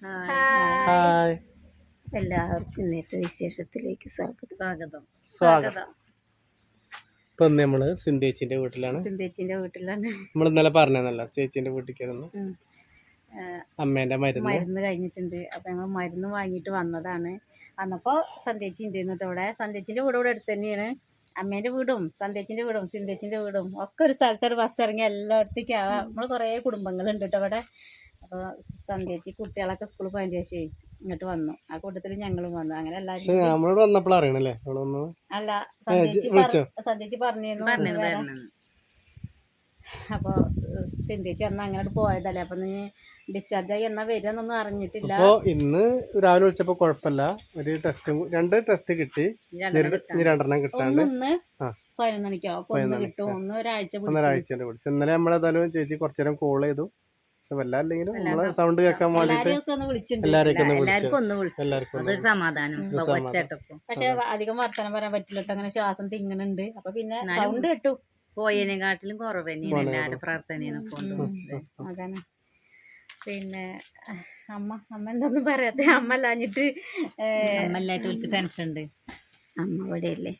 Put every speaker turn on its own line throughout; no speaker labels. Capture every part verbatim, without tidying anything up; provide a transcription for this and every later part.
Hi
എല്ലാവർക്കും ഇന്നത്തെ വിശേഷത്തിലേക്ക് സ്വാഗതം
സ്വാഗതം സ്വാഗതം ഇപ്പൊ നമ്മള് സിന്ധേച്ചിന്റെ വീട്ടിലാണ്
സിന്ധേച്ചിന്റെ വീട്ടിലാണ്.
നമ്മൾ ഇന്നലെ പറഞ്ഞല്ലോ ചേച്ചിന്റെ വീട്ടിലേക്കായിരുന്നു. അമ്മേന്റെ മരുന്ന്
മരുന്ന് കഴിഞ്ഞിട്ടുണ്ട്. അപ്പൊ ഞങ്ങൾ മരുന്ന് വാങ്ങിയിട്ട് വന്നതാണ്. വന്നപ്പോ സന്ധ്യേച്ചി ഉണ്ടായിരുന്നു ഇവിടെ. സന്ധ്യേച്ചിന്റെ വീട് ഇവിടെ അടുത്ത് തന്നെയാണ്. അമ്മേന്റെ വീടും സന്ധ്യേച്ചിന്റെ വീടും സിന്ധേച്ചിന്റെ വീടും ഒക്കെ ഒരു സ്ഥലത്ത് ഒരു ബസ് ഇറങ്ങി എല്ലായിടത്തേക്കും ആവാം. നമ്മൾ കുറേ കുടുംബങ്ങളുണ്ട് കേട്ടോ ഇവിടെ. അപ്പോൾ സന്ധ്യേച്ചി കുട്ടികളൊക്കെ സ്കൂളിൽ പോയതിന് ശേഷം ഇങ്ങോട്ട് വന്നു. ആ കൂട്ടത്തിൽ ഞങ്ങളും വന്നു. അങ്ങനെ എല്ലാവരും
നമ്മളോട് വന്നപ്പോൾ അറിയണല്ലേ
അല്ല സന്ധ്യേച്ചി സന്ധ്യേച്ചി പറഞ്ഞിരുന്നു. അപ്പോൾ സിന്ധേച്ചി അന്ന് അങ്ങനെ പോയതല്ലേ. അപ്പൊ നീ ഡിസ്ചാർജ് ആയി എന്നാ വരികയെന്നൊന്നും അറിഞ്ഞിട്ടില്ല.
അപ്പോൾ ഇന്ന് രാവിലെ വിളിച്ചപ്പോൾ കുഴപ്പമില്ല. ഒരു ടെസ്റ്റ് രണ്ട് ടെസ്റ്റ് കിട്ടി. രണ്ടെണ്ണം കിട്ടാണ്ട്
ഇന്ന് പതിനൊന്ന് മണിക്കോ ഒന്ന് കിട്ടും. ഒന്ന് ഒരാഴ്ച
ഒന്നൊരാഴ്ചന്റെ പിടിച്ചു. ഇന്നലെ നമ്മളേതായാലും ചേച്ചി കുറച്ചു നേരം കോൾ ചെയ്തു. പക്ഷെ വല്ലാല്ലെങ്കിലും നമ്മളെ സൗണ്ട് കേൾക്കാൻ വേണ്ടിട്ട് എല്ലാരെയൊക്കെ
സമാധാനം. പക്ഷെ അധികം വർത്തമാനം പറയാൻ പറ്റില്ല. അങ്ങനെ ശ്വാസം തിങ്ങണുണ്ട്. അപ്പൊ പിന്നെ സൗണ്ട് കേട്ടു. പോയതിനെക്കാട്ടിലും കുറവ് തന്നെയാണ് എല്ലാവരുടെ പ്രാർത്ഥനയാണ്. അതാണ്. പിന്നെ അമ്മ അമ്മ എന്തൊന്നും പറയാത്ത അമ്മ അല്ലാഞ്ഞിട്ട് അമ്മല്ലായിട്ട് ടെൻഷൻ ഉണ്ട്. അമ്മ ഇവിടെ അല്ലേ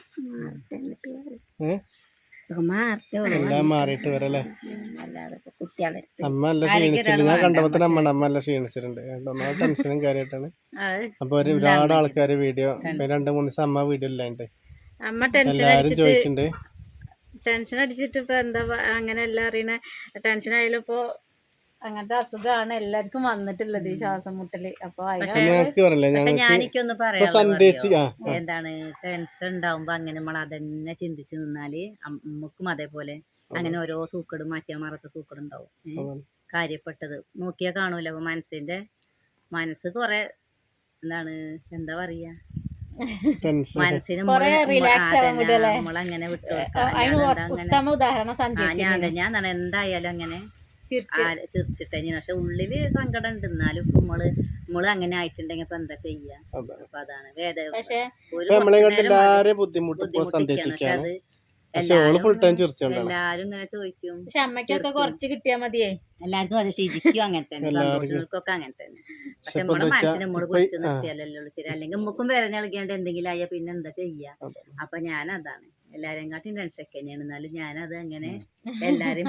മാറിയിട്ട് വരല്ലേ.
അല്ലാതെ കുട്ടികളെ
അമ്മ നല്ല ക്ഷീണിച്ചിട്ടുണ്ട്. ഞാൻ കണ്ടപ്പോ തന്നെ അമ്മ അമ്മ നല്ല ക്ഷീണിച്ചിട്ടുണ്ട്. ഒന്നാമത് ടെൻഷനും കാര്യമായിട്ടാണ്. അപ്പൊ ഒരുപാട് ആൾക്കാര് വീഡിയോ രണ്ട് മൂന്ന് ദിവസം അമ്മ വീഡിയോ ഇല്ലാണ്ട്
അമ്മ ടെൻഷൻ അടിച്ചിട്ട് ടെൻഷൻ അടിച്ചിട്ട് ഇപ്പൊ എന്താ അങ്ങനെ എല്ലാം അറിയണ ടെൻഷൻ ആയാലും ഇപ്പൊ അങ്ങനത്തെ അസുഖമാണ് എല്ലാവർക്കും വന്നിട്ടുള്ളത് ഈ ശ്വാസം മുട്ടല്. അപ്പൊ ഞാനിക്കൊന്ന് പറയാം, എന്താണ് ടെൻഷൻ ഉണ്ടാവുമ്പോ അങ്ങനെ നമ്മൾ അതന്നെ ചിന്തിച്ച് നിന്നാല് നമുക്കും അതേപോലെ അങ്ങനെ ഓരോ സൂക്കടും മാറ്റിയാൽ മാറാത്ത സൂക്കടുണ്ടാവും. കാര്യപ്പെട്ടത് നോക്കിയാ കാണൂല. അപ്പൊ മനസ്സിന്റെ മനസ്സ് കൊറേ എന്താണ് എന്താ പറയാ മനസ്സിന് നമ്മളങ്ങനെ വിട്ടു ഞാൻ എന്തായാലും അങ്ങനെ ചിരിച്ചിട്ടു. പക്ഷെ ഉള്ളില് സങ്കടം ഉണ്ട്. എന്നാലും ഇപ്പൊ നമ്മള് നമ്മള് അങ്ങനെ ആയിട്ടുണ്ടെങ്കിൽ ഇപ്പൊ എന്താ ചെയ്യാ? അപ്പൊ അതാണ് വേദന. പക്ഷെ
ബുദ്ധിമുട്ടിക്കാണ്.
പക്ഷെ അത് എല്ലാരും ഇങ്ങനെ ചോദിക്കും. പക്ഷെ അമ്മയ്ക്കൊക്കെ കുറച്ച് കിട്ടിയാ മതിയേ. എല്ലാവർക്കും അത് ശരിക്കും അങ്ങനെ തന്നെ. സന്തോഷങ്ങൾക്കൊക്കെ അങ്ങനെ തന്നെ. പക്ഷെ നമ്മളെ മനസ്സിനെ നമ്മള് കുറിച്ച് നിർത്തിയാലല്ലോ ശരി. അല്ലെങ്കിൽ നമുക്കും വേദന നൽകിയാണ്ട് എന്തെങ്കിലും ആയാ പിന്നെ എന്താ ചെയ്യാ? അപ്പൊ ഞാൻ അതാണ് എല്ലാരെയും കാട്ടും ടെൻഷനൊക്കെ തന്നെയാണ്. എന്നാലും ഞാനത് അങ്ങനെ എല്ലാരും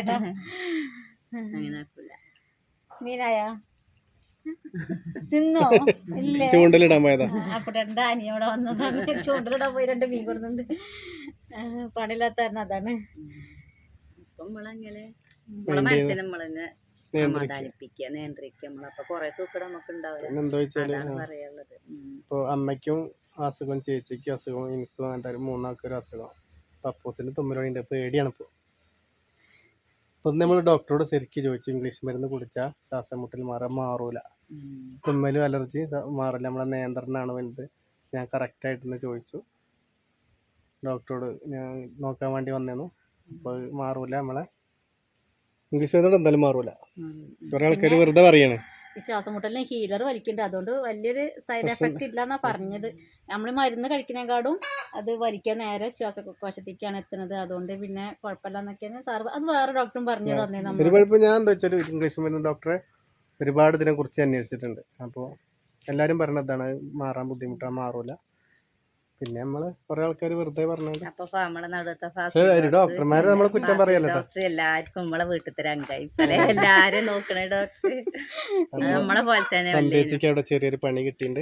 അങ്ങനെ ആക്കൂല. മീനായാ തിന്നോ? ഇല്ലേ,
ചൂണ്ടലിടാൻ പോയതാ.
അപ്പൊ രണ്ട് അനിയോടെ വന്നതാണ്. ചൂണ്ടലിടാൻ പോയി രണ്ട് മീൻ കൊടുക്കുന്നുണ്ട്. പണിയില്ലാത്ത അതാണ്. ഇപ്പൊ നമ്മളങ്ങനെ നമ്മളെ മനസ്സിനെ നമ്മളെന്നെ സമാധാനിപ്പിക്കുക, നിയന്ത്രിക്കുക. നമ്മളപ്പൊ കൊറേ സൂക്കട നമുക്ക് ഉണ്ടാവില്ല പറയാനുള്ളത്.
ഇപ്പൊ അമ്മയ്ക്കും അസുഖം, ചേച്ചിക്കും അസുഖം, എനിക്കും അങ്ങനെ മൂന്നാൾക്കൊരു അസുഖം. പപ്പൂസിന് തുമ്മലുണ്ട്. പേടിയാണ് ഇപ്പൊ. ഇപ്പൊ നമ്മൾ ഡോക്ടറോട് ശരിക്കും ചോദിച്ചു, ഇംഗ്ലീഷ് മരുന്ന് കുടിച്ചാൽ ശ്വാസം മുട്ടൽ മാറാൻ മാറൂല, തുമ്മലും അലർജി മാറില്ല, നമ്മളെ നിയന്ത്രണമാണ് വലുത്. ഞാൻ കറക്റ്റായിട്ടെന്ന് ചോദിച്ചു ഡോക്ടറോട്. ഞാൻ നോക്കാൻ വേണ്ടി വന്നേന്നു. അപ്പോൾ മാറൂല, നമ്മളെ ഇംഗ്ലീഷ് മരുന്നോട് എന്തായാലും മാറൂല. കുറെ ആൾക്കാർ വെറുതെ പറയാണ്
ഈ ശ്വാസം മുട്ടലിന് ഹീലർ വലിക്കുന്നുണ്ട്, അതുകൊണ്ട് വലിയൊരു സൈഡ് എഫക്റ്റ് ഇല്ല എന്നാ പറഞ്ഞത്. നമ്മൾ മരുന്ന് കഴിക്കുന്നതിനെക്കാളും അത് വലിക്കാൻ നേരെ ശ്വാസകോശത്തേക്കാണ് എത്തുന്നത്. അതുകൊണ്ട് പിന്നെ കുഴപ്പമില്ല എന്നൊക്കെയാണ് സാർ അത് വേറെ ഡോക്ടറും പറഞ്ഞു തന്നെ.
നമ്മൾ ഞാൻ എന്താ വെച്ചാൽ ഇംഗ്ലീഷ് മരുന്ന് ഡോക്ടറെ ഒരുപാട് ഇതിനെ കുറിച്ച് അന്വേഷിച്ചിട്ടുണ്ട്. അപ്പോൾ എല്ലാവരും പറഞ്ഞതാണ് മാറാൻ ബുദ്ധിമുട്ടാണ്, മാറൂല. പിന്നെ നമ്മള് കുറെ ആൾക്കാർ വെറുതെ പറഞ്ഞത്. ഡോക്ടർമാരെ നമ്മളെ കുറ്റം പറയല്ലോ.
ഡോക്ടർ എല്ലാവർക്കും നമ്മളെ വീട്ടിൽ തരാൻ അംഗായി എല്ലാരും നോക്കണേ ഡോക്ടർ നമ്മളെ പോലെ തന്നെ.
സന്ധ്യേച്ചിക്ക് അവിടെ ചെറിയൊരു പണി കിട്ടിയിട്ടുണ്ട്.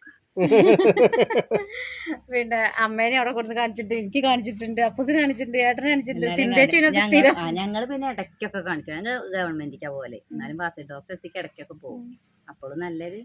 പിന്നെ അമ്മേനെ അവിടെ കൊടുത്ത് കാണിച്ചിട്ടുണ്ട്, എനിക്ക് കാണിച്ചിട്ടുണ്ട്, അപ്പൂസിന് കാണിച്ചിട്ടുണ്ട്, ഏട്ടനെ കാണിച്ചിട്ടുണ്ട്, സിന്ധേച്ചിനെ. ഞങ്ങള് പിന്നെ ഇടയ്ക്കൊക്കെ കാണിക്കും. ഞങ്ങൾ ഗവൺമെന്റിക്കാ പോലെ. എന്നാലും ബാസി ഡോക്ടർ എത്തിക്ക് ഇടയ്ക്കൊക്കെ പോകും. അപ്പോഴും നല്ലൊരു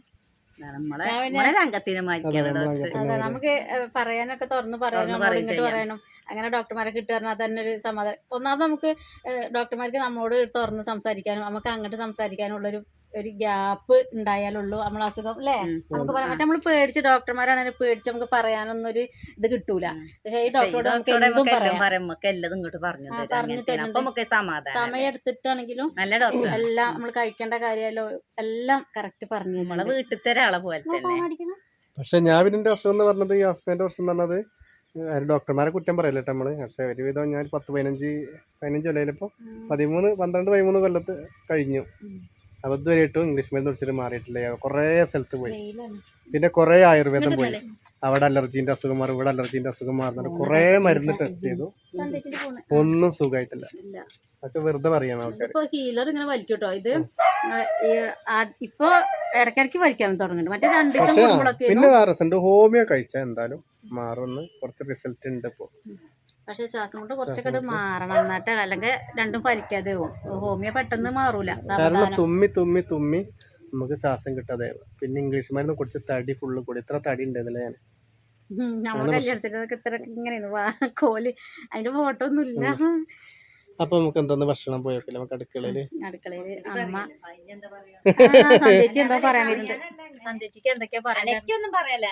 നമുക്ക് പറയാനൊക്കെ തുറന്ന് പറയാനും ഇങ്ങോട്ട് പറയാനും അങ്ങനെ ഡോക്ടർമാരെ കിട്ടുക തന്നെ ഒരു സമാധാനം. ഒന്നാമത് നമുക്ക് ഡോക്ടർമാർക്ക് നമ്മളോട് തുറന്ന് സംസാരിക്കാനും നമുക്ക് അങ്ങോട്ട് സംസാരിക്കാനുള്ളൊരു ഒരു ഗ്യാപ്പ് ഉണ്ടായാലുള്ളൂ നമ്മളെ അസുഖം അല്ലേ നമുക്ക് പറയാൻ പറ്റും. നമ്മൾ പേടിച്ച് ഡോക്ടർമാരാണെങ്കിൽ പേടിച്ച് നമുക്ക് പറയാനൊന്നും ഒരു ഇത് കിട്ടൂല. പക്ഷെ ഈ ഡോക്ടറോട് നമുക്ക് എന്തും പറയാം, പറഞ്ഞു തരുന്നുണ്ട്. സമയം എടുത്തിട്ടാണെങ്കിലും എല്ലാം നമ്മൾ കഴിക്കേണ്ട കാര്യമല്ലോ എല്ലാം കറക്റ്റ് പറഞ്ഞു നമ്മളെ വീട്ടിലത്തെ ഒരാളെ പോലെ തന്നെ.
പക്ഷെ ഞാൻ പിന്നെ അസുഖം എന്ന് പറഞ്ഞത് ഈ ഹസ്ബൻഡിന്റെ പ്രശ്നം എന്ന് പറഞ്ഞത് ഡോക്ടർമാരെ കുറ്റം പറയല്ലോ നമ്മള്. പക്ഷെ ഒരുവിധം ഞാൻ പത്ത് പതിനഞ്ച് പതിനഞ്ച് കൊല്ലം ഇപ്പൊ പതിമൂന്ന് പന്ത്രണ്ട് പതിമൂന്ന് കൊല്ലത്ത് കഴിഞ്ഞു. അപ്പോൾ ഇതുവരെയായിട്ടും ഇംഗ്ലീഷ് മരുന്ന് കുടിച്ചിട്ട് മാറിയിട്ടില്ല. കുറേ സ്ഥലത്ത് പോയി, പിന്നെ കുറേ ആയുർവേദം പോയി, അവിടെ അലർജീൻ്റെ അസുഖം മാറും, ഇവിടെ അലർജീൻ്റെ അസുഖം മാറുന്നുണ്ട്, കുറേ മരുന്ന് ടെസ്റ്റ് ചെയ്തു, ഒന്നും സുഖമായിട്ടില്ല. അതൊക്കെ വെറുതെ പറയണം ആൾക്കാർ.
ഇപ്പൊ ഹീലർ ഇങ്ങനെ വലിക്കൂട്ടോ, ഇത് ഇപ്പൊ ഇടയ്ക്കിടയ്ക്ക് വലിക്കാൻ തുടങ്ങുന്നുണ്ട്. മറ്റേ രണ്ട് ദിവസം കൂടുമ്പോഴൊക്കെ
പിന്നെ വേറെ റിസൾട്ട് ഹോമിയോ കഴിച്ചാൽ എന്തായാലും മാറുമെന്ന് കുറച്ച് റിസൾട്ട് ഉണ്ട് ഇപ്പോൾ.
പക്ഷെ ശ്വാസം കൊണ്ട് കുറച്ചൊക്കെ മാറണം, എന്നിട്ട് അല്ലെങ്കിൽ രണ്ടും ഫലിക്കാതെ പോകും. ഹോമിയോ പെട്ടെന്ന് മാറൂല.
കാരണം തുമ്മി തുമ്മി തുമ്മി നമുക്ക് ശ്വാസം കിട്ടാതെ. പിന്നെ ഇംഗ്ലീഷ് മരുന്ന് കുടിച്ച് തടി ഫുള്ള് കൂടി. ഇത്ര തടി ഉണ്ടായിരുന്നില്ല ഞാൻ.
നമ്മളെ കല്യാണത്തിനൊക്കെ ഇത്ര ഇങ്ങനെയാണ് കോല്, അതിന്റെ ഫോട്ടോ ഒന്നും ഇല്ല.
അപ്പൊ നമുക്ക് എന്തോന്ന് ഭക്ഷണം പോയോക്കില്ല നമുക്ക് അടുക്കളയില്.
അടുക്കളയില് അമ്മ സന്ധ്യച്ചി എന്താ പറയാൻ വരുന്നുണ്ട്. സന്ധ്യച്ചിക്ക് എന്തൊക്കെയാ പറയാനൊന്നും പറയല്ല.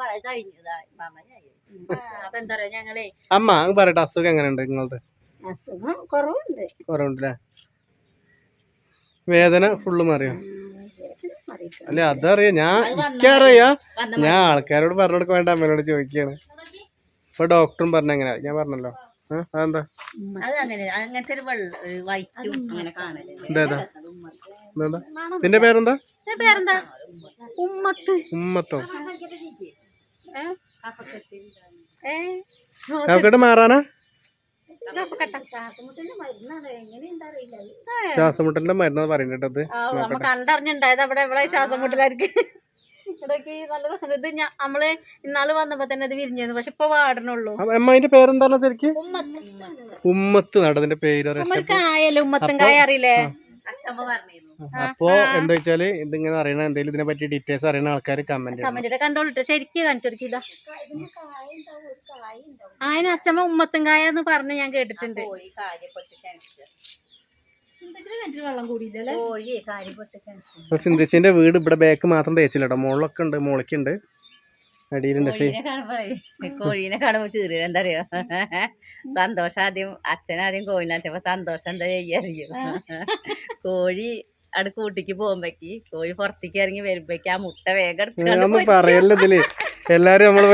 അപ്പൊ എന്താ പറയാ, ഞങ്ങളെ
അമ്മ അങ്ങ് പറയട്ടെ, അസുഖം എങ്ങനെയുണ്ട് നിങ്ങളത്?
അസുഖം കുറവുണ്ട്.
കുറവുണ്ടല്ലേ? വേദന ഫുള്ള് മാറിയോ? അല്ല അതറിയാ, ഞാൻ എനിക്കറിയാ, ഞാൻ ആൾക്കാരോട് പറഞ്ഞു കൊടുക്കാൻ വേണ്ട അമ്മയോട് ചോദിക്കാണ്. ഇപ്പൊ ഡോക്ടറും പറഞ്ഞ എങ്ങനെയാ, ഞാൻ പറഞ്ഞല്ലോ. അതെന്താ നിന്റെ പേരെന്താ? ഉമ്മത്തോ? നോക്കട്ടെ മാറാനാ? ശ്വാസമുട്ടലിന്റെ മരുന്ന് പറയുന്നത്
കണ്ടറിഞ്ഞുണ്ടായത് അവിടെ ഇവിടെ ശ്വാസമുട്ടലായിരിക്കും. ഇവിടേക്ക് നല്ല രസം. ഇത് നമ്മള് ഇന്നാള് വന്നപ്പോ തന്നെ ഇത് വിരിഞ്ഞിരുന്നു, പക്ഷെ ഇപ്പൊ വാടണുള്ളൂ.
അമ്മേന്റെ പേരെന്താണ് ശരിക്കും? ഉമ്മത്ത് നടതിന്റെ പേര്
കായല്ലേ, ഉമ്മത്തും കായ അറിയില്ലേ?
അപ്പൊ എന്താ വെച്ചാല് ഇതിങ്ങനെ അറിയണ എന്തെങ്കിലും ഇതിനെ പറ്റി ഡീറ്റെയിൽസ് അറിയുന്ന ആൾക്കാർ കമന്റ്
കമന്റ് കണ്ടോളിട്ട് ശരിക്കും കാണിച്ചു കൊടുക്കില്ല. അതിന് അച്ഛമ്മ ഉമ്മത്തും കായ എന്ന് പറഞ്ഞ് ഞാൻ കേട്ടിട്ടുണ്ട്.
സിന്ധിച്ചിന്റെ വീട് ഇവിടെ ബാക്ക് മാത്രം തേച്ചില്ല കേട്ടോ, മുകളിലൊക്കെ ഉണ്ട്, മുകളിക്കുണ്ട്, അടിയിലുണ്ട്.
കോഴീനെ കാണുമ്പോ ചെറിയ എന്താ അറിയോ, സന്തോഷം ആദ്യം അച്ഛനാദ്യം കോഴിനെ അച്ഛപ്പോ സന്തോഷം എന്താ ചെയ്യാറിയോ, കോഴി അവിടെ കൂട്ടിക്ക് പോകുമ്പോക്ക് കോഴി പുറത്തേക്ക് ഇറങ്ങി വരുമ്പോക്ക് ആ മുട്ട വേഗം
പറയല്ലോ ഇതില് എല്ലാരും നമ്മള്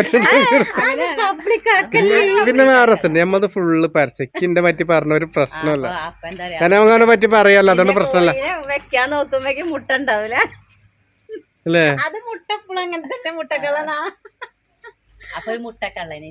പിന്നെ വേറെ നമ്മത് ഫുള്ള് പരച്ചക്കിന്റെ പറ്റി പറഞ്ഞ ഒരു പ്രശ്നമല്ല, കാരണം അങ്ങനെ പറ്റി പറയാലോ, അതുകൊണ്ട് പ്രശ്നമല്ല.
വെക്കാൻ നോക്കുമ്പോക്ക് മുട്ട ഉണ്ടാവൂല
അല്ലേ?
അത് മുട്ട എപ്പോഴും അങ്ങനെ തന്നെ മുട്ടക്കളാ.
അപ്പൊ ഒരു മുട്ടക്കള്ളനെ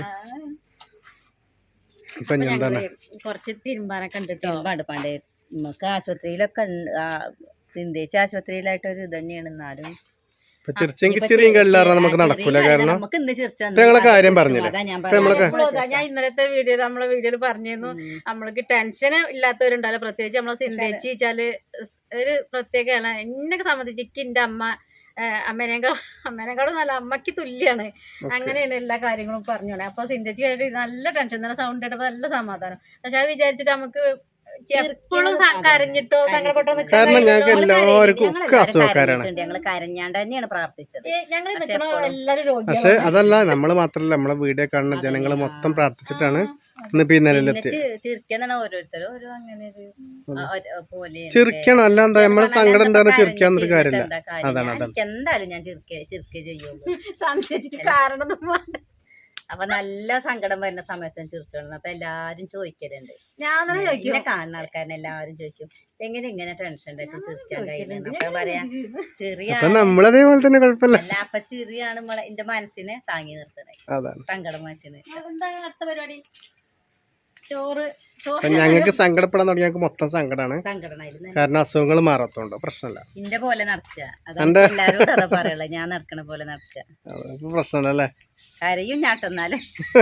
ഇപ്പൊ എന്താണ്
കുറച്ച് തിരുമ്പാനൊക്കെ ഉണ്ട് കേട്ടോ.
പണ്ട് പണ്ട് നമുക്ക് ആശുപത്രിയിലൊക്കെ സിന്ധിച്ച ആശുപത്രിയിലായിട്ട് ഒരു ഇത് തന്നെയാണ്. എന്നാലും
ചെറിയും കല്ലാറ നമുക്ക് നടക്കൂല, കാരണം
നമുക്ക് ഇന്ന് ചിരിച്ചാ
ഞങ്ങളെ കാര്യം പറഞ്ഞില്ല.
ഞാൻ ഇന്നലത്തെ വീഡിയോ നമ്മളെ വീഡിയോയിൽ പറഞ്ഞിരുന്നു, നമ്മൾക്ക് ടെൻഷൻ ഇല്ലാത്തവരുണ്ടല്ലോ, പ്രത്യേകിച്ച് നമ്മളെ സിന്ധിച്ച് വെച്ചാല് ഒരു പ്രത്യേകമാണ്. എന്നെ സംബന്ധിച്ച് എനിക്ക് എന്റെ അമ്മ അമ്മേനേക്കാൾ അമ്മേനേക്കാളും നല്ല അമ്മയ്ക്ക് തുല്യാണ്. അങ്ങനെയാണ് എല്ലാ കാര്യങ്ങളും പറഞ്ഞോളെ. അപ്പൊ സിന്ധിച്ച് നല്ല ടെൻഷൻ തന്നെ, സൗണ്ട് കേട്ടപ്പോ നല്ല സമാധാനം. പക്ഷെ അത് വിചാരിച്ചിട്ട് നമുക്ക് എപ്പോഴും കരഞ്ഞിട്ടോ സങ്കടപ്പെട്ടോ
കാരണം ഞങ്ങൾക്ക് എല്ലാവർക്കും അസുഖക്കാരാണ്.
ഞങ്ങള് കരഞ്ഞാണ്ട് തന്നെയാണ് പ്രാർത്ഥിച്ചത്.
ഞങ്ങൾ എല്ലാരും രോഗി.
പക്ഷെ അതല്ല, നമ്മള് മാത്രല്ല, നമ്മളെ വീഡിയോ കാണുന്ന ജനങ്ങള് മൊത്തം പ്രാർത്ഥിച്ചിട്ടാണ് ഇന്നിപ്പോ ഈ നിലയിലെത്തി.
ചിരിക്കാന്നാണ് ഓരോരുത്തരും ഓരോ അങ്ങനെ പോലെ
ചിരിക്കണം, അല്ല എന്താ നമ്മളെ സങ്കടം ഉണ്ടാകുന്ന ചിരിക്കാന്നൊരു കാര്യമില്ല. അതാണ് അതാണ്
എന്തായാലും ഞാൻ ചിരിക്കേ ചിരിക്കേ ചെയ്യുള്ളൂ.
സന്ധ്യക്ക് കാരണം
അപ്പൊ നല്ല സങ്കടം വരുന്ന സമയത്തും ചിരിച്ചോളണം. അപ്പൊ എല്ലാരും ചോദിക്കലുണ്ട്,
ഞാൻ
ചോദിക്കും, കാണുന്ന ആൾക്കാരനെ എല്ലാവരും ചോദിക്കും എങ്ങനെ ഇങ്ങനെ ടെൻഷൻ ഉണ്ടായിട്ട് ചിരിക്കാൻ കഴിയുന്നത്. അപ്പൊ പറയാ ചെറിയ
നമ്മളതേപോലെ തന്നെ കുഴപ്പമില്ല.
അല്ല അപ്പൊ ചെറിയാണ് നമ്മളെ എന്റെ മനസ്സിനെ താങ്ങി നിർത്തണേ, സങ്കടം മാറ്റുന്നത്.
അടുത്ത പരിപാടി ചോറ്.
ഞങ്ങൾക്ക് സങ്കടപ്പെടാൻ തുടങ്ങി ഞങ്ങൾക്ക് മൊത്തം സങ്കടമാണ്,
സങ്കടമായിരുന്നു.
കാരണം അസുഖങ്ങൾ മാറാത്തോണ്ട് പ്രശ്നമല്ല.
ഇന്റെ പോലെ നടക്കുക, അതെ എല്ലാരും അതാ പറയല, ഞാൻ നടക്കണ പോലെ നടക്കുക,
പ്രശ്നമല്ലേ?
കരയും ഞാട്ടെന്നാല്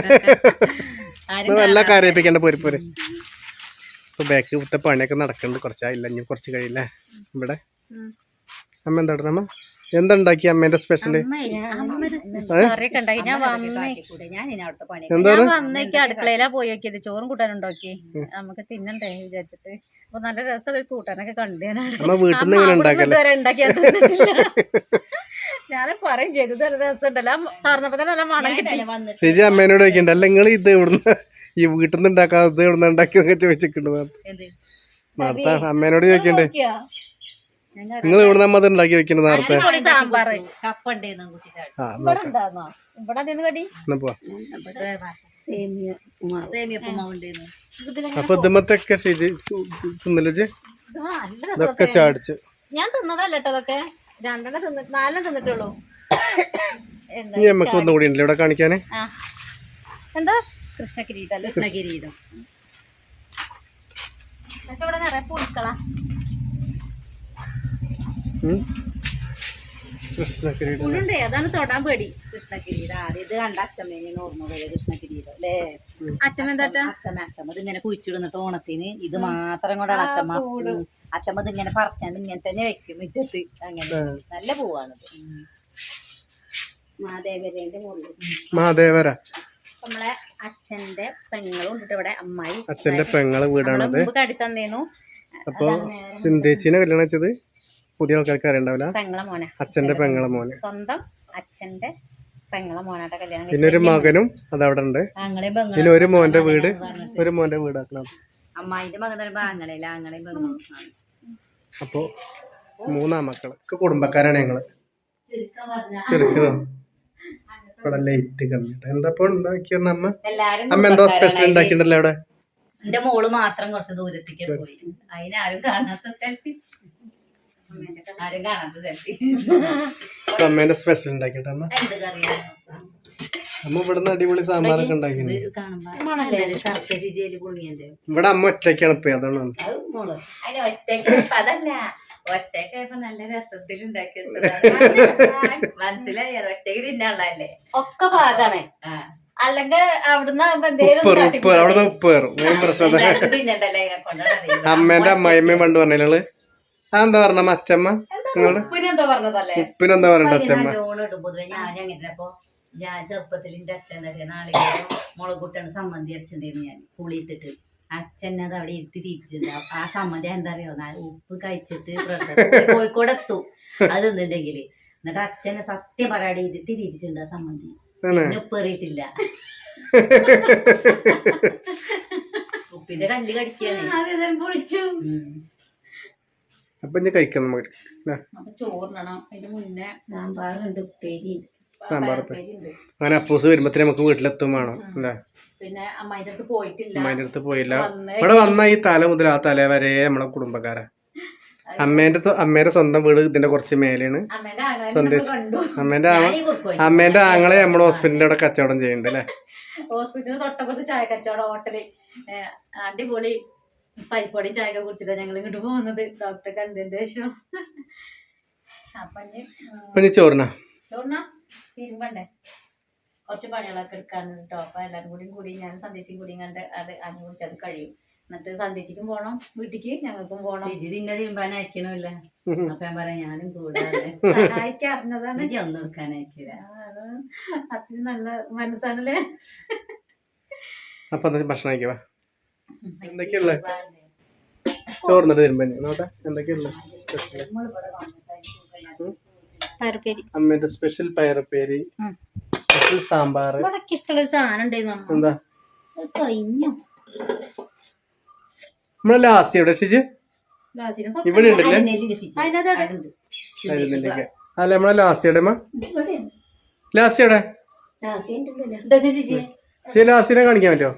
നല്ല കരയിപ്പിക്കേണ്ട പോരി പോര്. ഇപ്പൊ ബാക്ക് ഇവിടുത്തെ പണിയൊക്കെ നടക്കുന്നുണ്ട്, കുറച്ചായില്ല, ഇനി കുറച്ച് കഴിയില്ലേ. ഇവിടെ അമ്മ എന്താ അമ്മ എന്താ ഉണ്ടാക്കി അമ്മേന്റെ സ്പെഷ്യല്?
അടുക്കളയിലാ പോയി നോക്കിയത്, ചോറും കൂട്ടാനുണ്ടാക്കി നമുക്ക് തിന്നണ്ടേ വിചാരിച്ചിട്ട്. അപ്പൊ നല്ല രസം കൂട്ടാനൊക്കെ കണ്ടു. ഞാൻ പറയും ചെയ്തു നല്ല രസം ഉണ്ടല്ലോ, തുറന്നപ്പോ നല്ല മണം കിട്ടി.
ചേച്ചി അമ്മേനോട് ചോദിക്കണ്ട, അല്ല നിങ്ങൾ ഇത് ഇവിടുന്ന് ഈ വീട്ടിൽ നിന്ന് ഉണ്ടാക്കാതെ ഇവിടുന്ന് ഉണ്ടാക്കിയൊക്കെ ചോദിച്ചിട്ടുണ്ട്. നേരത്തെ അമ്മേനോട് ചോദിക്കണ്ടേ, നിങ്ങൾ ഇവിടെ നമ്മത് ഉണ്ടാക്കി വെക്കുന്നത് നേരത്തെ.
സാമ്പാറ്
അപ്പൊ ഇതുമത്തൊക്കെ ശരി തിന്നല്ലേ, ഇതൊക്കെ ചാടിച്ചു.
ഞാൻ തിന്നതല്ല കേട്ടോ അതൊക്കെ രണ്ടെണ്ണം തിന്നിട്ട് നാലെണ്ണം തിന്നിട്ടുള്ളൂ. എന്താ
ഇനി നമുക്ക് ഒന്നും കൂടി ഉണ്ടല്ലോ ഇവിടെ കാണിക്കാന്.
ആ എന്താ കൃഷ്ണകിരീടം
കൃഷ്ണകിരീടം
എന്നിട്ട് ഇവിടെ നിറയെ പുഴുക്കളാ.
കൃഷ്ണകിരീടം
പുഴുണ്ടേ അതാണ് തൊടാൻ പേടി.
കൃഷ്ണകിരീടം ആദ്യം ഇത് കണ്ട അച്ഛമ്മേനെ ഓർമ്മ വരെ കൃഷ്ണകിരീടം അല്ലേ?
അച്ഛമ്മ എന്താട്ടാ
അച്ഛമ്മ അച്ഛമ്മ ഇത് ഇങ്ങനെ കുഴിച്ചിടുന്നിട്ട് ഓണത്തിന് ഇത് മാത്രം കൊണ്ടാണ് അച്ഛമ്മ ഉം. അച്ഛമ്മ ഇത് ഇങ്ങനെ പറിച്ചാണ്ട് ഇങ്ങനെ തന്നെ വെക്കും മുറ്റത്ത്. അങ്ങനെ നല്ല പൂവാണിത്.
മഹാദേവരേന്റെ മുകളിൽ
മഹാദേവര
നമ്മളെ അച്ഛന്റെ പെങ്ങളും ഉണ്ട് ഇവിടെ. അമ്മായി
അച്ഛന്റെ പെങ്ങളെ വീടാണത്.
മുമ്പ് കടി തന്നേന്നു.
അപ്പൊ സിന്ധേച്ചിനെ കല്യാണം വെച്ചത് പുതിയ ആൾക്കാർക്ക് അറിയണ്ടാവില്ല.
പെങ്ങളെ മോനെ
അച്ഛന്റെ പെങ്ങളെ മോനെ
സ്വന്തം അച്ഛന്റെ പെങ്ങളെ മോനാട്ട കല്യാണം
പിന്നെ ഒരു മകനും അതവിടെ ഉണ്ട്.
ആങ്ങളെയും
പിന്നെ
പെങ്ങളും
ഒരു മോന്റെ വീട് ഒരു മോന്റെ വീടാക്കണം.
അമ്മായിന്റെ മകൻ പറയുമ്പോ ആങ്ങളയില്ല ആങ്ങളെയും പെങ്ങളും.
അപ്പൊ മൂന്നാം മക്കള് ഒക്കെ കുടുംബക്കാരാണ് ഞങ്ങള്.
ചുരുക്കം പറഞ്ഞാ
ചെറുക്കണോ ഇവിടെ ലൈറ്റ് കമ്മി എന്താ ഉണ്ടാക്കിയ അമ്മ
എല്ലാരും
അമ്മ എന്തോ സ്പെഷ്യൽ ഉണ്ടാക്കിണ്ടല്ലോ അവിടെ.
എന്റെ മോള് മാത്രം കുറച്ച് ദൂരത്തേക്ക് പോയി. അതിനാരും കാണാത്ത സ്ഥലത്ത് ആരും കാണാത്ത സ്ഥലത്ത്
അമ്മേന്റെ സ്പെഷ്യൽ ഉണ്ടാക്കിട്ടെ അമ്മ.
എന്ത് കറിയാ
അമ്മ ഇവിടുന്ന് അടിപൊളി സാമ്പാറൊക്കെ ഉണ്ടാക്കിണ്ട്.
കാണുമ്പോ ശർക്കര രുചിയില് പുളിയന്റെ
ഇവിടെ അമ്മ ഒറ്റയ്ക്കാണ് ഇപ്പൊ അതാണ്.
അത് മോള് അതിന് ഒറ്റക്ക് അതല്ല ഒറ്റക്കായപ്പോ നല്ല രസത്തിൽ ഉണ്ടാക്കി മനസ്സിലായി. ഒറ്റക്ക് തിന്നാളല്ലേ
ഒക്കെ പാകാണ്. അല്ലെങ്കിൽ അവിടുന്ന്
ഉപ്പ് ഉപ്പ് അവിടുന്ന് ഉപ്പ് കയറും. മെയിൻ പ്രശ്നം
തിന്നണ്ടല്ലേ ഇതിനെ കൊണ്ടാണ്.
അമ്മേന്റെ അമ്മായിമ്മയും പണ്ട് പറഞ്ഞാല് അതെന്താ പറഞ്ഞ അച്ഛമ്മ നിങ്ങള്
ഉപ്പിനെന്തോ പറഞ്ഞതല്ലേ
ഉപ്പിനെന്താ പറഞ്ഞ അച്ഛമ്മ
ലോൺ ഇടും. പൊതുവെ ഞാൻ അങ്ങനെ അപ്പൊ ഞാൻ ചെറുപ്പത്തിൽ എന്റെ അച്ഛൻ എന്താ പറയാ നാളികേരം മുളകുട്ടാണ് സമ്മന്തി അരച്ചിട്ടുണ്ടായിരുന്നു ഞാൻ പുളിയിട്ടിട്ട്. അച്ഛൻ അത് അവിടെ ഇരുത്തി തിരിച്ചിട്ടുണ്ട്. ആ സമ്മതി എന്താ അറിയോ ഉപ്പ് കഴിച്ചിട്ട് പ്രഷർ കോഴിക്കോട് എത്തും അത് തിന്നിട്ടുണ്ടെങ്കില്. എന്നിട്ട് അച്ഛനെ സത്യം പറയാതെ ഇരുത്തി തിരിച്ചിട്ടുണ്ട് ആ സമ്മതി. പിന്നെ ഉപ്പ് എറിയിട്ടില്ല. ഉപ്പിന്റെ കല്ല് കടിക്കാണ് പൊളിച്ചു.
അപ്പൊ ഇനി കഴിക്കാം നമുക്ക്.
അപ്പൊ ചോറിനണം. അതിന്റെ മുന്നേ
സാമ്പാറുണ്ട് ഉപ്പേരി
സാമ്പാർ അങ്ങനെ അപ്പൂസ് വരുമ്പത്തിന് നമുക്ക് വീട്ടിലെത്തും വേണം അല്ലേ.
പിന്നെ അമ്മായിന്റെ അടുത്ത് പോയിട്ടില്ല.
അമ്മായിന്റെ അടുത്ത് പോയില്ല. ഇവിടെ വന്ന ഈ തല മുതൽ ആ തല വരെ നമ്മളെ കുടുംബക്കാരാ. അമ്മേന്റെ അമ്മേന്റെ സ്വന്തം വീട് ഇതിന്റെ കുറച്ച് മേലെയാണ്. സന്ദേശം അമ്മേന്റെ അമ്മേന്റെ ആങ്ങളെ നമ്മുടെ ഹോസ്പിറ്റലിന്റെ അവിടെ കച്ചവടം ചെയ്യുന്നുണ്ട് അല്ലേ.
ഹോസ്പിറ്റലിന് തൊട്ടപ്പുറത്ത് ചായ കച്ചവടം ഹോട്ടല് അടിപൊളി പരിപ്പൊടിയും ചായയൊക്കെ കുടിച്ചിട്ടാ ഞങ്ങൾ ഇങ്ങോട്ട് പോകുന്നത്. ഡോക്ടറെ കണ്ടതിന്റെ ശേഷം അപ്പൊ
ചോറിനാ
ചോറിനാ തിരുമ്പണ്ടേ കുറച്ച് പണികളൊക്കെ എടുക്കാനുണ്ട് കേട്ടോ. അപ്പൊ എല്ലാരും കൂടി കൂടി ഞാൻ സന്ദേശിക്കും കൂടി കണ്ട് അത് അതിനെ കുറിച്ച് അത് കഴിയും. എന്നിട്ട് സന്ദേശിക്കും പോണം വീട്ടിക്ക് ഞങ്ങൾക്കും പോണം.
ഇതിന്നെ തീരുമാനയക്കണമില്ല. അപ്പൊ ഞാൻ പറയാം ഞാനും കൂടാതെ
സഹായിക്കാൻ അറിഞ്ഞതാണ്.
ഒന്നും എടുക്കാനയക്കില്ല.
അത് അത്രയും നല്ല മനസ്സാണല്ലേ.
അപ്പൊ ഭക്ഷണം കഴിക്കവാ എന്തൊക്കെയുള്ള ചോറിന്നിട്ട് തരുമ്പോ നോട്ടെ എന്തൊക്കെയുള്ള
പയറുപ്പേരി
അമ്മേന്റെ സ്പെഷ്യൽ പയറുപ്പേരി സ്പെഷ്യൽ സാമ്പാർ.
ഇഷ്ടമുള്ള ഒരു സാധനം ഉണ്ടായിരുന്നു.
എന്താ
കഴിഞ്ഞു
നമ്മളെ ലാസ്റ്റ് എവിടെ ഷിജ് ഇവിടെ ഉണ്ടല്ലേ അല്ല നമ്മളെ ലാസ്റ്റ് എവിടെ ലാസ്റ്റ് എവിടെ ശരി ലാസ്റ്റിനെ കാണിക്കാൻ പറ്റുമോ?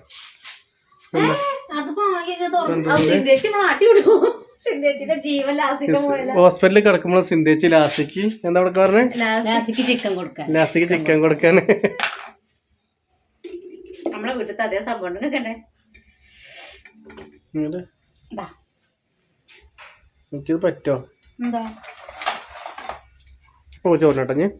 ഹോസ്പിറ്റലിൽ കിടക്കുമ്പോൾ സിന്ധേച്ചി ലാസിക്ക് എന്താ അവിടെ പറഞ്ഞേ
ലാസിക്ക് ചിക്കൻ കൊടുക്കാൻ
ലാസിക്ക് ചിക്കൻ കൊടുക്കാൻ.
നമ്മളെ വീട്ടിലത്തെ അതേ സംഭവം കേട്ടെ.
എനിക്കിത് പറ്റോ?
എന്താ
ഓ ചോറിനോട്ടെ ഞാൻ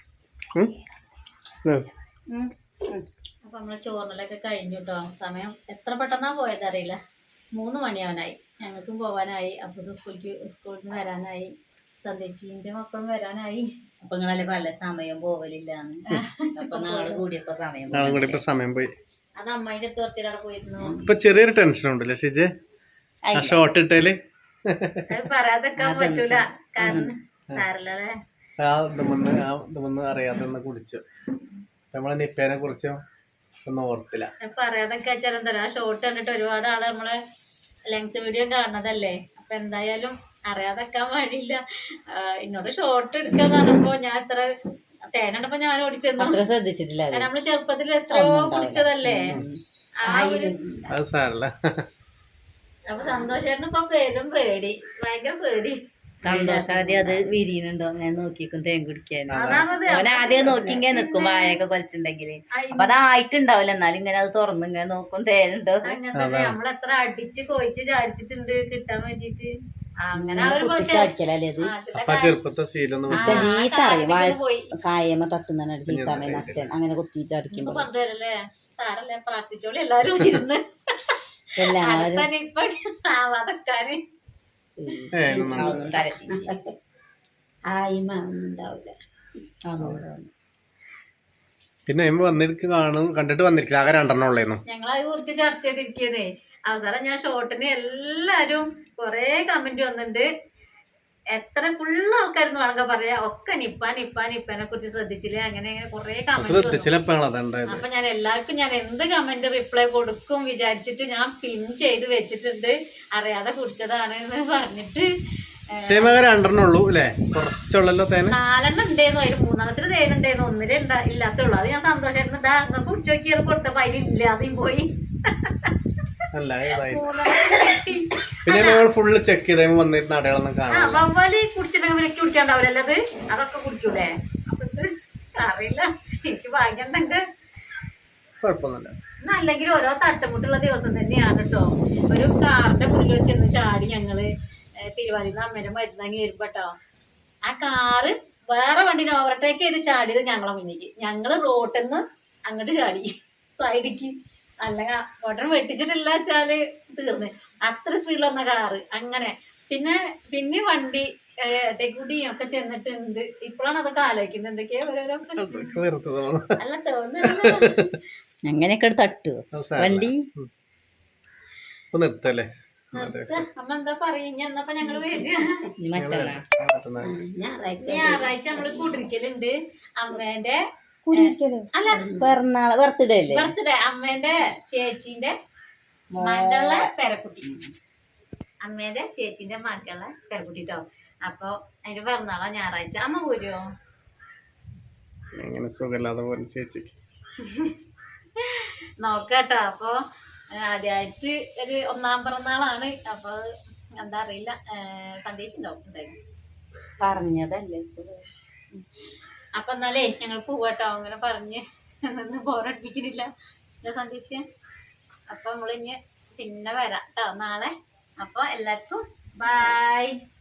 അപ്പൊ നമ്മള് ചോറിനലൊക്കെ കഴിഞ്ഞു കേട്ടോ. സമയം എത്ര പെട്ടെന്നാ പോയത് അറിയില്ല. മൂന്ന് മണിയാവാനായി. ഞങ്ങൾക്കും പോവാനായി. അപ്പൂസ് സ്കൂളിക്ക് സ്കൂളിൽ നിന്ന് വരാനായി. സന്ദേശിന്റെ മക്കളും വരാനായി.
അപ്പൊ നിങ്ങളല്ലേ പല സമയം പോവലില്ലാന്ന്. അപ്പൊ നാളെ കൂടിയപ്പോ സമയം
നാളെ കൂടിയപ്പോ സമയം പോയി.
അത് അമ്മായിന്റെ അടുത്ത് കുറച്ചേരം പോയിരുന്നു.
ഇപ്പൊ ചെറിയൊരു ടെൻഷൻ ഉണ്ടല്ലേ ഷിജെ ആ ഷോർട്ട് ഇട്ടേല്.
പറയാതെക്കാൻ പറ്റൂല കാരണം സാരല്ലേ
ആ ഇതുമെന്ന് ആ ഇതുമെന്ന് അറിയാതെ കുടിച്ചു. നമ്മളെ നിപ്പേനെ കുറിച്ച് ഒന്നും ഓർത്തില്ല.
പറയാതൊക്കെ വെച്ചാൽ എന്താ ആ ഷോർട്ട് കണ്ടിട്ട് ഒരുപാട് ആള് നമ്മളെ ലെങ്ത് വീഡിയോ കാണുന്നതല്ലേ. അപ്പൊ എന്തായാലും അറിയാതെക്കാൻ പാടില്ല. എന്നോട് ഷോർട്ട് എടുക്കാന്ന് പറഞ്ഞപ്പോ ഞാൻ ഇത്ര തേനണ്ടപ്പോ ഞാൻ ഓടിച്ചെന്നു
ശ്രദ്ധിച്ചിട്ടില്ല.
നമ്മള് ചെറുപ്പത്തിൽ എത്രയോ കുടിച്ചതല്ലേ.
അത് സാരല്ല.
അപ്പൊ സന്തോഷേട്ടന് ഇപ്പൊ പേരും പേടി ഭയങ്കര പേടി.
സന്തോഷം ആദ്യം അത് വിരിയുന്നുണ്ടോ അങ്ങനെ നോക്കിക്കും തേൻ കുടിക്കാൻ
അതാണത്
അവൻ ആദ്യം നോക്കി ഇങ്ങനെ നിക്കും വാഴയൊക്കെ കൊലച്ചിട്ടുണ്ടെങ്കില് അപ്പൊ അതായിട്ടുണ്ടാവില്ല എന്നാലും ഇങ്ങനെ അത് തുറന്ന് ഇങ്ങനെ നോക്കും തേനുണ്ടോ
അങ്ങനെ തന്നെ നമ്മളെത്ര അടിച്ച് കൊഴിച്ച് ചാടിച്ചിട്ടുണ്ട് കിട്ടാൻ വേണ്ടിട്ട് അങ്ങനെ ആ ഒരു
അടിക്കലല്ലേ അത്
അപ്പൊ ചെറുപ്പത്തെ ശീലം
അച്ഛൻ ചീത്ത അറിയും വാഴ
പോയി
കായമ്മ തട്ടുന്ന ചീത്ത അറിയുന്ന അച്ഛൻ അങ്ങനെ കുത്തിച്ച് അടിക്കുമ്പോ
പറഞ്ഞല്ലേ സാറല്ലേ പ്രാർത്ഥിച്ചോളി എല്ലാരും ഇരുന്ന്
എല്ലാവരും
തന്നെ ഇപ്പൊ ആവാതെക്കാന്
അതൊന്നും തലശീലിച്ച്
ആയിമ ഒന്നും ഉണ്ടാവില്ല
അതൊന്നും
പിന്നെ അമ്മ വന്നിരിക്ക് കാണും കണ്ടിട്ട് വന്നിരിക്കില്ല ആകെ രണ്ടെണ്ണം ഉള്ളേന്നു
ഞങ്ങളത് കുറിച്ച് ചർച്ച ചെയ്തിരിക്കുന്നേ അവസാനം ഞാൻ ഷോർട്ടിന് എല്ലാരും കൊറേ കമന്റ് വന്നിട്ടുണ്ട് എത്ര ഫുള്ള് ആൾക്കാരെന്ന് വേണമെങ്കിൽ പറയാ ഒക്കെ നിപ്പ നിപ്പ നിപ്പനെ കുറിച്ച് ശ്രദ്ധിച്ചില്ല അങ്ങനെ അങ്ങനെ കൊറേ കമന്റ്
ശ്രദ്ധിച്ചില്ല.
അപ്പൊ ഞാൻ എല്ലാവർക്കും ഞാൻ എന്ത് കമന്റ് റിപ്ലൈ കൊടുക്കും വിചാരിച്ചിട്ട് ഞാൻ പിൻ ചെയ്ത് വെച്ചിട്ടുണ്ട് അറിയാതെ കുടിച്ചതാണ് എന്ന് പറഞ്ഞിട്ട്
രണ്ടെണ്ണം ഉള്ളൂ അല്ലേ കുറച്ചുള്ളല്ലോ തേന
നാലെണ്ണം ഉണ്ടായിരുന്നു അതിൽ മൂന്നെണ്ണത്തിന് തേനുണ്ടായിരുന്നു ഒന്നിലേ ഉണ്ടാ ഇല്ലാത്തുള്ളൂ അത് ഞാൻ സന്തോഷമായിരുന്നു ഇതാ നിങ്ങൾക്ക് കുടിച്ചു നോക്കിയാൽ കൊടുത്തപ്പോ അതിലില്ല അതും പോയി
അല്ല പിന്നെ ഞങ്ങൾ ഫുള്ള് ചെക്ക് ചെയ്ത വന്നിരുന്ന അടയാളൊന്നും കാണാം
വവ്വാല് കുടിച്ചിട്ടുണ്ടെങ്കിൽ കുടിക്കാണ്ടാവില്ല അത് അതൊക്കെ കുടിക്കൂലേ അപ്പൊ ഇത് അറിയില്ല എനിക്ക് ഭാഗ്യം ഉണ്ടെങ്കിൽ
കുഴപ്പമൊന്നുമില്ല
അല്ലെങ്കിൽ ഓരോ തട്ടുമുട്ടുള്ള ദിവസം തന്നെയാണ് കേട്ടോ ഒരു കാറിന്റെ മുന്നിൽ വെച്ചെന്ന് ചാടി ഞങ്ങള് തിരുവാതിര അമ്മേനെ മരുന്നാങ്ങി വരുമ്പോട്ടോ ആ കാറ് വേറെ വണ്ടിനെ ഓവർടേക്ക് ചെയ്ത് ചാടിയത് ഞങ്ങളെ മുന്നിലേക്ക് ഞങ്ങള് റോട്ടിൽ നിന്ന് അങ്ങോട്ട് ചാടി സൈഡിക്ക് അല്ലെങ്കിൽ ഉടനെ വെട്ടിച്ചിട്ടില്ല വെച്ചാല് തീർന്ന് അത്ര സ്പീഡിൽ വന്ന കാറ് അങ്ങനെ പിന്നെ പിന്നെ വണ്ടി ഇടയ്ക്കൂടിയും ഒക്കെ ചെന്നിട്ടുണ്ട് ഇപ്പോഴാണ് അതൊക്കെ ആലോചിക്കുന്നത് എന്തൊക്കെയോ ഓരോരോ പ്രശ്നം അല്ല തോന്നുന്നു
അങ്ങനെയൊക്കെ തട്ടു വണ്ടി
നിർത്തല്ലേ
അമ്മ എന്താ പറയുക എന്നപ്പോ ഞങ്ങള് വരിക
മറ്റന്നാ
ഞായറാഴ്ച നമ്മള് കൂട്ടിരിക്കലുണ്ട് അമ്മേന്റെ അല്ല
പിറന്നാള് ബർത്ത്ഡേ അല്ലേ
ബർത്ത്ഡേ അമ്മേന്റെ ചേച്ചീന്റെ മകളുടെ പേരക്കുട്ടി അമ്മേന്റെ ചേച്ചീന്റെ മകളുടെ പേരക്കുട്ടി ട്ടോ അപ്പൊ അതിന്റെ പിറന്നാളാ ഞായറാഴ്ച അമ്മ പോരുവോ
എങ്ങനെ സുഖമില്ലാതെ പോലെ ചേച്ചിക്ക്
നോക്കാട്ടോ അപ്പൊ ആദ്യമായിട്ട് ഒരു ഒന്നാം പിറന്നാളാണ് അപ്പൊ എന്താ അറിയില്ല സന്ദേശം ഉണ്ടാവും എന്തായാലും
പറഞ്ഞതല്ലേ
അപ്പൊ എന്നാലേ ഞങ്ങൾ പോവാട്ടോ അങ്ങനെ പറഞ്ഞ് ബോറടിപ്പിക്കുന്നില്ല സന്ദേശം അപ്പൊ നമ്മളിഞ്ഞ് പിന്നെ വരാം കേട്ടോ നാളെ അപ്പൊ എല്ലാവർക്കും ബൈ.